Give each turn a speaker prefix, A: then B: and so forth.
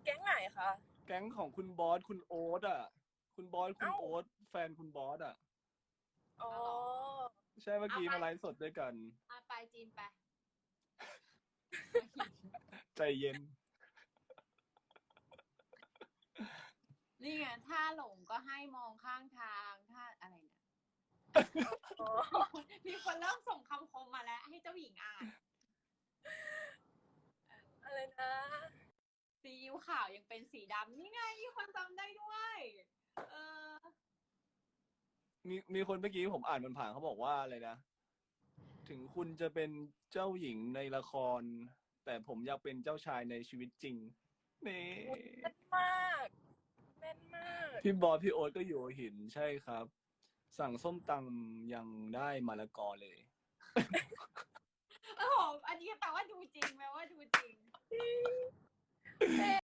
A: แก๊งไหนคะ
B: แก๊งของคุณบอสคุณโอ๊ตอ่ะคุณบอสคุณ
A: เอ้า
B: โอ๊ตแฟนคุณบอสอ่ะ
A: อ๋อ
B: ใช่เมื่อกี้มาไลฟ์สดด้วยกัน
C: ไปจีนไป
B: ใจเย็น
C: นี่ไงถ้าหลงก็ให้มองข้างทางถ้าอะไรเนี่ย
A: อ๋อ
C: มีคนเริ่มส่งคำคมมาแล้วให้เจ้าหญิงอ่าน
A: อะไรนะ
C: ซีอิ๊วขาวยังเป็นสีดำนี่ไงมีคนจำได้ด้วย
B: มีคนเมื่อกี้ผมอ่านมันผ่านเขาบอกว่าอะไรนะ ถึงคุณจะเป็นเจ้าหญิงในละคร แต่ผมอยากเป็นเจ้าชายในชีวิตจริงนี่
A: แม่นมากแม่นมาก
B: พี่บอสพี่โอ๊ตก็อยู่หัวหินใช่ครับ สั่งส้มตำยังได้มะละกอเลย
C: โอ้โหอันนี้แปลว่าดูจริงแปลว่าดูจริง